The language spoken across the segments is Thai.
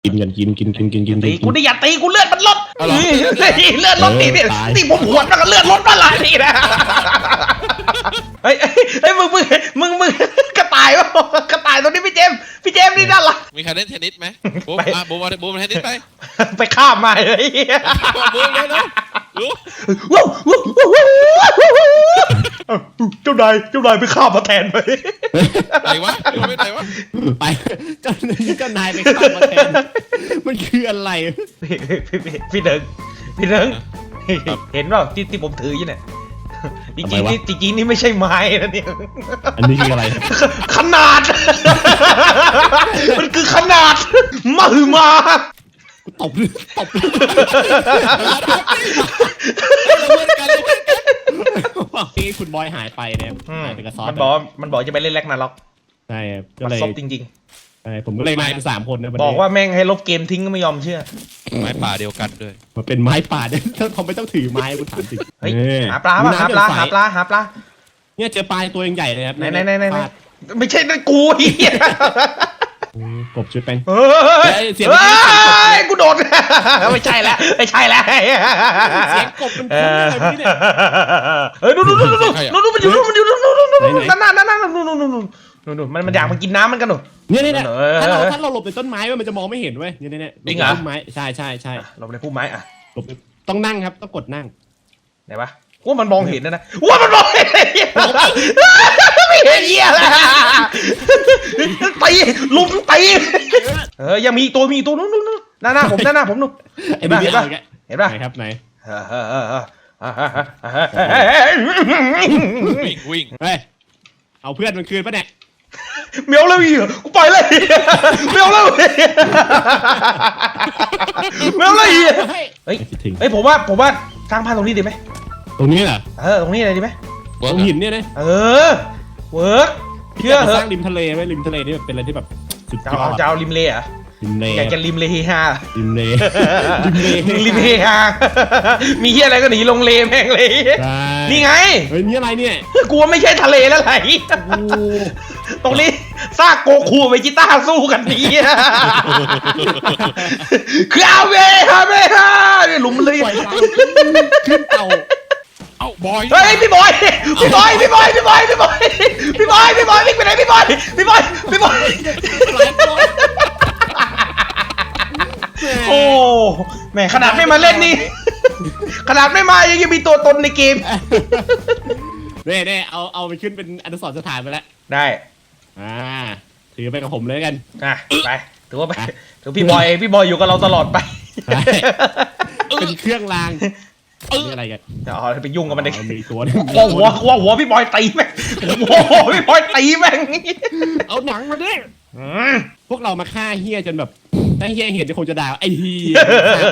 กินกันกินตีกูได้อย่าตีกูเลือดมันลดเลือดลดตีผมหัวแล้วก็เลือดลดมาหลายทีนะเฮ้ยมึงกระต่ายวะกระต่ายตัวนี้พี่เจมนี่น่ารักมีใครเล่นเทนนิสไหมบูมเทนนิสไปข้ามมาเลยบูมเลยนะเจ้านายไปข้ามมาแทนไปไหนวะไม่ไหนวะไปเจ้านายไปข้ามมาแทนมันคืออะไรพี่เดิงเห็นเปล่าที่ผมถืออยู่เนี่ยจริงนี่ไม่ใช่ไม้นะเนี่ยอันนี้คืออะไรขนาดมันคือขนาดมหึมาตบที่คุณบอยหายไปเนี่ยหายไปกับซอสมันบอกจะไปเล่นแร็กนาล็อกใช่ก็เลยซบจริงๆผมก็เลยมาเป็น3 คนนะบอกว่าแม่งให้ลบเกมทิ้งก็ไม่ยอมเชื่อไม้ป่าเดียวกันด้วยมันเป็นไม้ป่าเนี่ยเขาไม่ต้องถือไม้กูถามจริงหาปลาหาปลาเนี่ยเจอปลาตัวใหญ่เลยครับไหนไม่ใช่นั่นกูเหี้ยกบชุดเป็นเสียงกูโดดไม่ใช่แล้วเสียงกบมันอะไรเนี่ยดูมันอยู่นั่นมันอยากมากินน้ำมันกันหนูเนี่ยถ้าเราหลบในต้นไม้มันจะมองไม่เห็นเว้ยเนี่ยจริงเหรอต้นไม้ใช่หลบในพุ่มไม้อะหลบต้องนั่งครับต้องกดนั่งไหนวะว่ามันมองเห็นนะว่ามันมองเห็นไม่เห็นเหี้ยเลยตีลุมตียังมีตัวนู้นหน้าผมนู่นเห็นป่ะครับไหนวิ่งเฮ้ยเอาเพื่อนมันคืนปะเนี่ยเมียวเลยกูปล่อยเลยเมียวเลยเฮ้ยผมว่าสร้างบ้านตรงนี้ดีไหมตรงนี้เหรอตรงนี้อะไรดีไหมตรงหินเนี่ยนะเวิร์กเชื่อเหรอสร้างริมทะเลไว้ริมทะเลนี่เป็นอะไรที่แบบสุดยอดจะเอาริมเลอ่ะอยากจะริมเลฮาริมเลฮามีเหี้ยอะไรก็หนีลงเลแม่งเลยนี่ไงเฮ้ยนี่อะไรเนี่ยกลัวไม่ใช่ทะเลแล้วไหลตรงนี้ซากโกคูไปกีตาร์สู้กันดีคือเอาเวฮาหลุมเลยขึ้นเต่าบอยเฮ้ยพี่บอยวิ่งไปไหนพี่บอยโอ้แม่ขนาดไม่มาเล่นนี่ขนาดไม่มายังมีตัวตนในเกมเน่เอาไปขึ้นเป็นอนุสรณ์สถานไปแล้วได้ถือไปกับผมเลยกันไปถือว่าไปถือพี่บอยอยู่กับเราตลอดไปเป็นเครื่องรางอะไรกันไปยุ่งกับมันได้มีตัวหัวพี่บอยตีแม่งพี่บอยตีแม่งเอาหนังมาดิพวกเรามาฆ่าเฮียจนแบบถ้าเฮียเห็นจะคงจะด่าไอ้เฮีย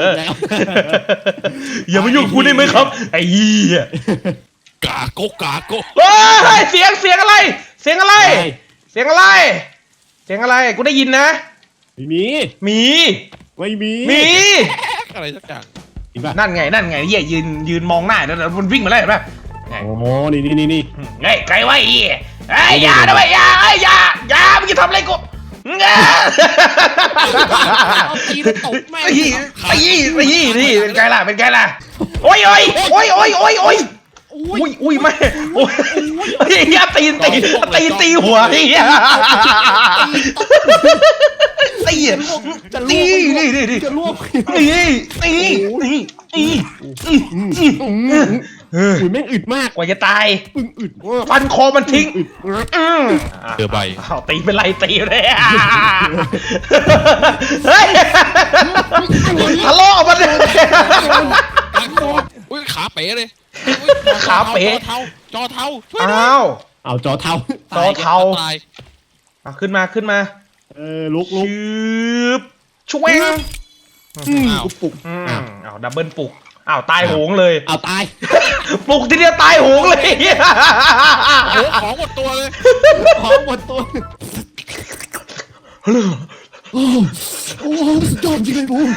อย่ามายุ่งกูได้ไหมครับไอ้เฮียกาโกเฮ้ยเสียงอะไรกูได้ยินนะไม่มีอะไรสักอย่างนั่นไงเฮียยืนมองหน้าแล้วมันวิ่งมาแล้วเห็นป่ะโอ้โหนี่ไงใครวะเฮียอย่าด้วยอย่ามึงจะทำอะไรกูตีตบแม่ตีนี่เป็นไงล่ะโอ้ยไม่เฮียตีหัวเฮียตีจะลวกแม่งอึดมากกว่าจะตายอึดฟันคอมันทิ้งเจอใบตีเป็นไรตีเลยเฮ้ยทะเลาะมันเลยขาเป๋เลยขาเป๋จอเทาเอาจอเทาขึ้นมาลุกช่วยปลุกดับเบิลปลุกตายโหงเลยตายปลุกทีเดียวตายโหงเลยของหมดตัวเลยโอ้สุดยอดจริงเลยบูม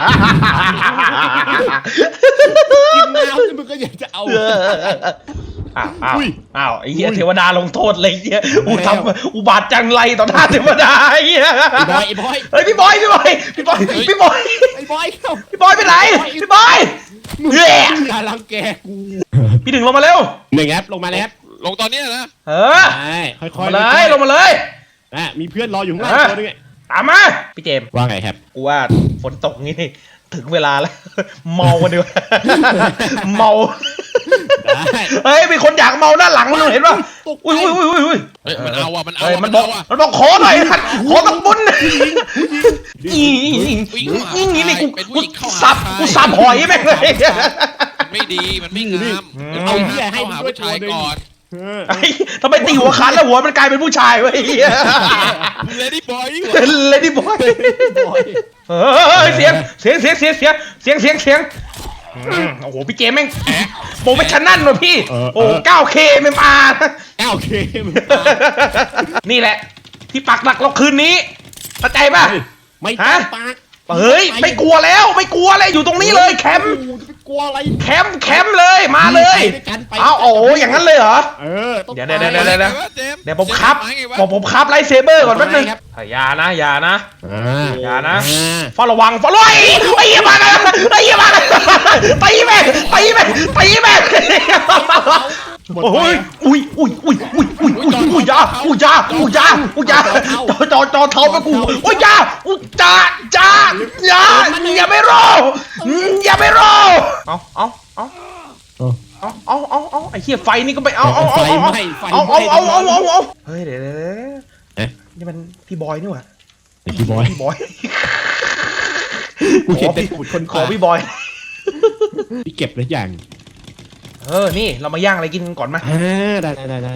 กินน้ำมึงก็อยากจะเอาอ้าวไอ้เหี้ยเทวดาลงโทษเลยไอ้เหี้ยกูทำอุบาทจังไรต่อหน้าเทวดาไอ้เหี้ยไอ้บอยเฮ้ยพี่บอยไอ้บอยเข้าพี่บอยไปไหนพี่บอยมึงอย่ารังแกกูพี่ดึงลงมาเร็วหนึ่งแอปลงมาแล้วลงตอนเนี้ยนะเออใช่ค่ลอยงๆมาเลยลงมาเลยมีเพื่อนรออยู่ข้างล่างตัวนึงตามมาพี่เจมส์ว่าไงครับกูว่าฝนตกงี้นี่ถึงเวลาแล้ว เมากันดีกว่าเมาได้เฮ้ยมีคนอยากเมาด้านหลังมึงเห็นป่ะอุ้ยเฮ้ยมันเอาอ่ะมันเอาเฮ้ยอ่ะมัมัน นบอกเอาอ่ะมันบอกขอหน่อยนะขอต้องบุญนี่นี่กูสับหอยแม่งเลยมันไม่ดีมันไม่งามเอาเหี้ยให้หาผู้ชายก่อนไอ้ทำไมตีหัวคันแล้วหัวมันกลายเป็นผู้ชายวะไอ้เหี้ยเลดี้บอยเลดี้บอยเฮ้ยเสียงโอ้โหพี่เจมแม่งโปรเฟชชั่นนั่นว่ะพี่โอ้ 9K MMR 9K นี่แหละที่ปักหลักเราคืนนี้เข้าใจป่ะไม่ต้องปากเฮ้ยไม่กลัวแล้วอยู่ตรงนี้เลยแคมป์กลัวอะไรแคมป์เลยมาเลยเอาโอ้อย่างนั้นเลยเหรอ เดี๋ยวผมครับไลท์เซเบอร์ก่อนแป๊บนึงอย่านะเฝ้าระวังไอ้เหี้ยมาตีแม่โอ้ยอุ้ยยาจอเท้าไปกูโอ้ยยาอย่าไม่รอเอาไอ้เหี้ยไฟนี่ก็ไปเอาเฮ้ยเดี๋ยวนี่มันพี่บอยนี่หว่าพี่บอย กูเห็นแต่ตูดคนขอพี่บอยพี่เก็บหรือยังนี่เรามาย่างอะไรกินก่อนมาได้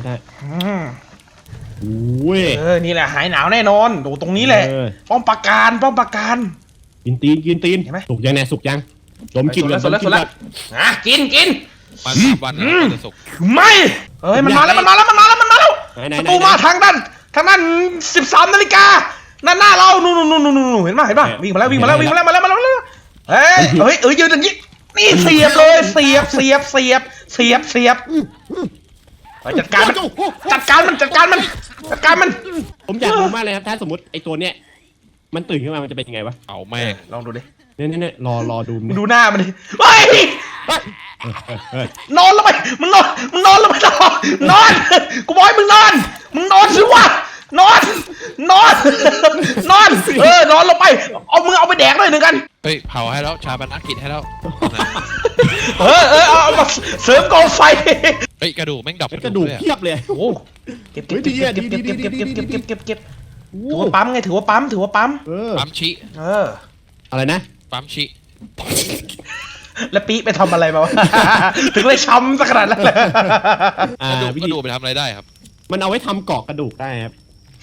อุ้ยนี่แหละหายหนาวแน่นอนดูตรงนี้แหละป้อมปราการกินตีนเห็นไหมสุกยังเนี่ยสุกยังดมกินเลยสุดแล้วกินมา3 วันแล้วจะสุกไม่มันมาแล้วประตูมาทางด้าน13 นาฬิกานั่นหน้าเรานู่นเห็นป่ะวิ่งมาแล้วเฮ้ยยืนอย่างนี้นี่เสียบเลยเสียบจัดการมันผมอยากรู้มากเลยครับถ้าสมมติไอ้ตัวเนี้ยมันตื่นขึ้นมามันจะเป็นยังไงวะเอาแม่งลองดูดิเนี่ยรอดูดูหน้ามันดิเฮ้ยนอนลงไปมึงนอนลงไปนอนกูบอกให้มึงนอนสิวะนอนนอนลงไปเอามือเอาไปแดกหน่อยหนึ่งกันเฮ้ยเผาให้แล้วชาปนกิจให้แล้วเอามาเสริมกองไฟเฮ้ยกระดูกแม่งดับกระดูกเพียบเลยโอ้เก็บถือว่าปั๊มไงถือว่าปั๊มปั๊มชิอะไรนะปั๊มชิแล้วปีไปทำอะไรมาวะถึงเลยช้ำสักขนาดนั้นเลยกระดูกไปทำอะไรได้ครับมันเอาไว้ทำเกาะกระดูกได้ครับ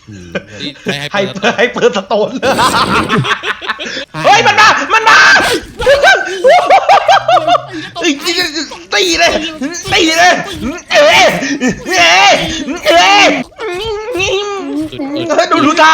ให้เปิดสโตนเฮ้ยมันมาตีเลยดูท่า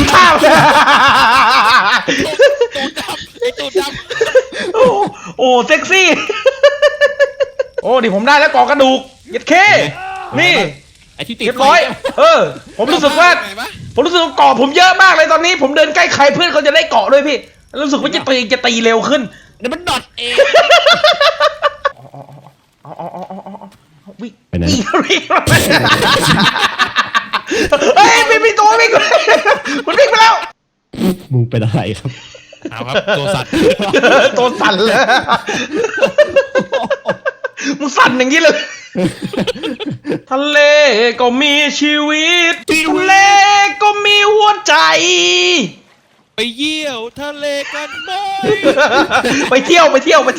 ตูดดำโอ้เซ็กซี่โอ้ดิผมได้แล้วกอกระดูกยัดเคนี่ไอ้ที่ติดเรียบร้อยผมรู้สึกว่าเกาะผมเยอะมากเลยตอนนี้ผมเดินใกล้ใครเพื่อนเขาจะได้เกาะด้วยพี่รู้สึกว่าจะตีเร็วขึ้นเดี๋ยวมันดอทเองวิ่งเฮ้ยมีตัววิ่งมันวิ่งไปแล้วมึงเป็นอะไรครับเอาครับตัวสั่นตัวสั่นเลยมึงสั่นอย่างนี้เลยทะเลก็มีชีวิตทะเลก็มีหัวใจไปเยี่ยวทะเลกันไหมไปเที่ยว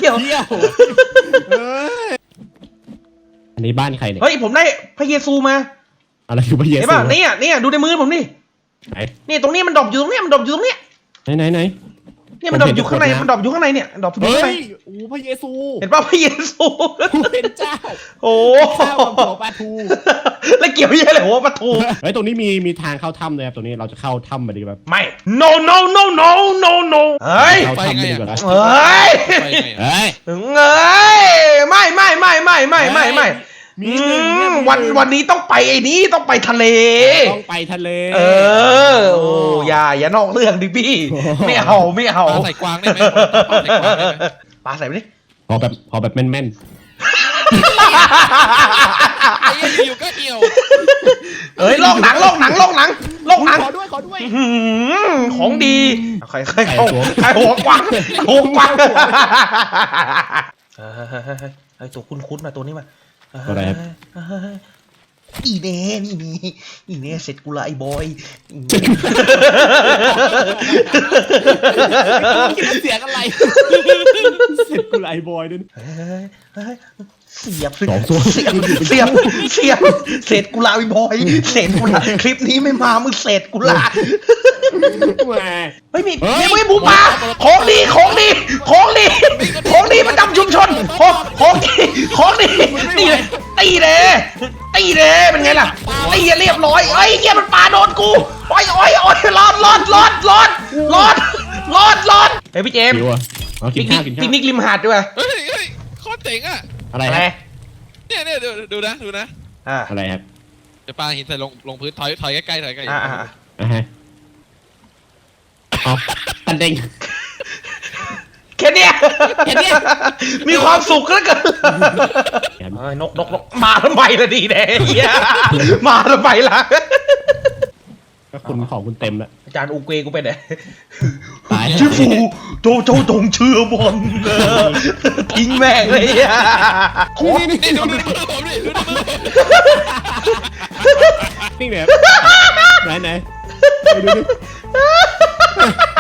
อันนี้บ้านใครเนี่ยเฮ้ยผมได้พระเยซูมาอะไรคือพระเยซูเห็นป่ะเนี่ยดูในมือผมนี่นี่ตรงนี้มันดรอปอยู่ตรงนี้ไหนเนี่ยมันดรอปอยู่ข้างในเนี่ยดรอปอยู่ข้างในโอ้พระเยซูเห็นป่ะพระเยซูเป็นเจ้าโอ้หัวปลาทูแล้วเกี่ยวยังไงเลยหัวปลาทูเฮ้ยตรงนี้มีทางเข้าถ้ำเลยครับตรงนี้เราจะเข้าถ้ำมาดีแบบไม่ no เฮ้ยเข้าถ้ำดีกว่านะไม่มีหนึ่งเนี่ยมีหงวันนี้ต้องไปไอ้นี้ต้องไปทะเลต้องไปทะเลโอ้อย่านอกเรื่องดิพี่ ไม่เอาปลาใส่กวางได้ไหมปลาใส่กวางได้ไหมปลาใส่ไปดิพอแบบแม่นไอ้เหี้ยอยู่ก็เหี่ยวเอ้ยลอกหนังๆขอด้วยของดีใครหัวกวางไอ้ตัวคุ้นๆนะตัวนี้มาอะไรครับอีเน่อีเน่เสร็จกูละไอ้บอยเสียงอะไรเสร็จกูไลบอยด้วยเสียบสองตัวเสียบเศษกุหลาบไอ้บอยเศษกุหลาบคลิปนี้ไม่มามึงเศษกุหลาบแหมไม่มีหมูป่าของดีประจำชุมชนของดีตีเลยเป็นไงล่ะตีเรียบร้อยไอ้เหี้ยมันปาโดนกูโอ้ยรอดเฮ้ยพี่เจมส์หิวอ่ะเอากิปินกข้าวนิกริมหาดด้วยเฮ้ยโคตรเจ๋งอ่ะอะไรอะไรครับเนี่ยดูนะอะไรครับจะปลาหินใส่ลงพื้นถอยใกล้ๆอ่าฮะเอาตันเด้งแค่เนี้ยมีความสุขเหลือเกิน นกมาทำไมล่ะดีแน่เฮียมาทำไมล่ะก็คุณของคุณเต็มแล้วอาจารย์อูเกกูไปไหนตายชื่อฟูโจจงเชื่อบอลทิ้งแม่งเลยอ่ะนี่ดูมือผมดิดูมือผมนี่แบบไหนดูดิ